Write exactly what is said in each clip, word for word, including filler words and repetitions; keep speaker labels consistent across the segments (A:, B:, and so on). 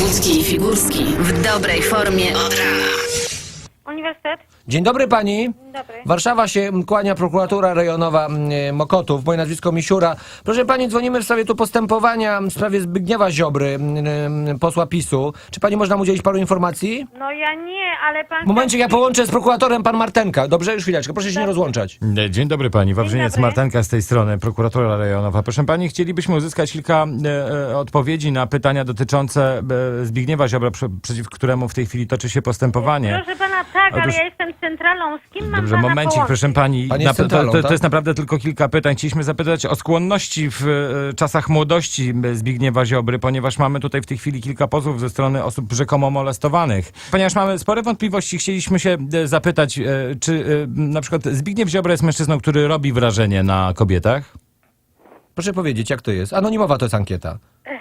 A: Wojewódzki i Figurski w dobrej formie od rana.
B: Uniwersytet?
C: Dzień dobry pani.
B: Dzień dobry.
C: Warszawa się kłania, prokuratura rejonowa e, Mokotów, moje nazwisko Misiura. Proszę pani, dzwonimy w sprawie tu postępowania w sprawie Zbigniewa Ziobry, e, posła PiSu. Czy pani można mu udzielić paru informacji?
B: No ja nie, ale pan...
C: Momencik, ja połączę z prokuratorem pan Martenka. Dobrze? Już chwileczkę, proszę się nie rozłączać.
D: Dzień dobry pani, Wawrzyniec
B: dobry.
D: Martenka z tej strony, prokuratura rejonowa. Proszę pani, chcielibyśmy uzyskać kilka e, e, odpowiedzi na pytania dotyczące e, Zbigniewa Ziobry, przy, przeciw któremu w tej chwili toczy się postępowanie.
B: Proszę pana, tak,
D: Otóż-
B: ale ja jestem centralą. Z kim mam
D: Dobrze,
B: pana
D: momencik,
B: połączyć?
D: proszę pani.
C: Pani jest
D: to,
C: centralą,
D: to, to
C: tak?
D: jest naprawdę tylko kilka pytań. Chcieliśmy zapytać o skłonności w e, czasach młodości Zbigniewa Ziobry, ponieważ mamy tutaj w tej chwili kilka pozwów ze strony osób rzekomo molestowanych. Ponieważ mamy spore wątpliwości, chcieliśmy się e, zapytać, e, czy e, na przykład Zbigniew Ziobra jest mężczyzną, który robi wrażenie na kobietach?
C: Proszę powiedzieć, jak to jest. Anonimowa to jest ankieta.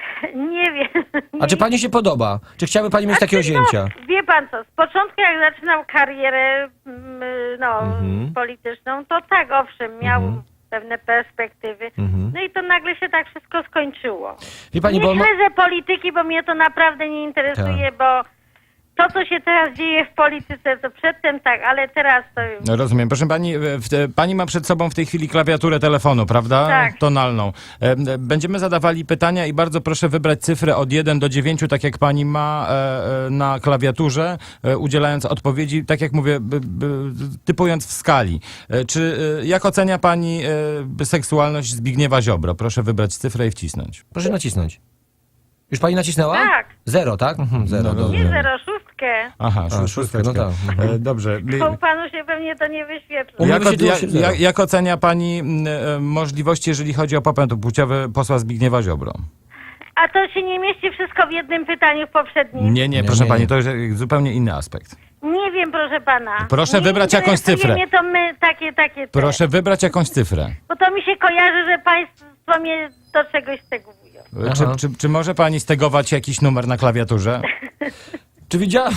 B: Nie wiem.
C: A czy pani się podoba? Czy chciałaby pani mieć takiego
B: Znaczy,
C: zięcia?
B: No, wie pan co, z początku jak zaczynał karierę mm, no,
C: Mhm.
B: polityczną, to tak, owszem, miał
C: Mhm.
B: pewne perspektywy.
C: Mhm.
B: No i to nagle się tak wszystko skończyło.
C: Wie pani,
B: nie
C: bo...
B: śledzę polityki, bo mnie to naprawdę nie interesuje, bo to, co się teraz dzieje w polityce, to przedtem tak, ale teraz to...
D: No, rozumiem. Proszę pani, e, w, e, pani ma przed sobą w tej chwili klawiaturę telefonu, prawda?
B: Tak.
D: Tonalną. E, e, Będziemy zadawali pytania i bardzo proszę wybrać cyfrę od jeden do dziewięciu, tak jak pani ma e, e, na klawiaturze, e, udzielając odpowiedzi, tak jak mówię, b, b, typując w skali. E, Czy, e, jak ocenia pani e, seksualność Zbigniewa Ziobro? Proszę wybrać cyfrę i wcisnąć.
C: Proszę nacisnąć. Już pani nacisnęła?
B: Tak.
C: Zero, tak? Mhm, zero,
D: No,
C: dobrze.
B: Nie zero, szóstkę.
D: Aha,
C: A,
D: szó-
C: szóstka, no
D: szósteczka.
C: tak.
D: E, Dobrze.
B: Bo panu się pewnie to nie wyświetla.
C: U mnie
D: Jak,
C: wyświetliło
D: jak,
C: się zero.
D: jak, jak ocenia pani m, e, możliwości, jeżeli chodzi o popęd płciowy posła Zbigniewa Ziobro?
B: A to się nie mieści wszystko w jednym pytaniu w poprzednim?
D: Nie, nie,
C: Nie,
D: proszę
C: nie,
D: pani,
C: nie.
D: to jest zupełnie inny aspekt.
B: Nie wiem, proszę pana.
D: Proszę
B: Nie
D: wybrać jakąś
B: interesuje
D: cyfrę.
B: mnie to my, takie, takie te.
D: Proszę wybrać jakąś cyfrę.
B: Bo to mi się kojarzy, że państwo mnie do czegoś stegowują.
D: Czy,
C: Aha.
D: czy, czy może pani stegować jakiś numer na klawiaturze?
C: Czy widziała...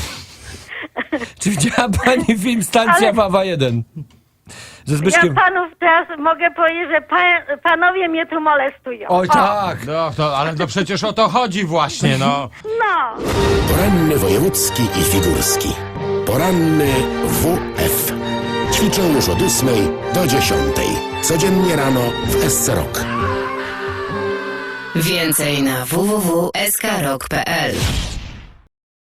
C: Czy widziała pani film Stacja
B: Ale-
C: Wawa jeden? Ze
B: Ja
C: Zbyszkiem...
B: panów teraz mogę powiedzieć, że pa, panowie mnie tu molestują.
C: Oj,
B: O,
C: tak!
D: No, to, ale to przecież o to chodzi właśnie, no.
B: No.
E: Poranny wojewódzki i figurski. Poranny W F. Ćwiczą już od ósmej do dziesiątej. Codziennie rano w S C Rock.
A: Więcej na w w w kropka s k rock kropka p l.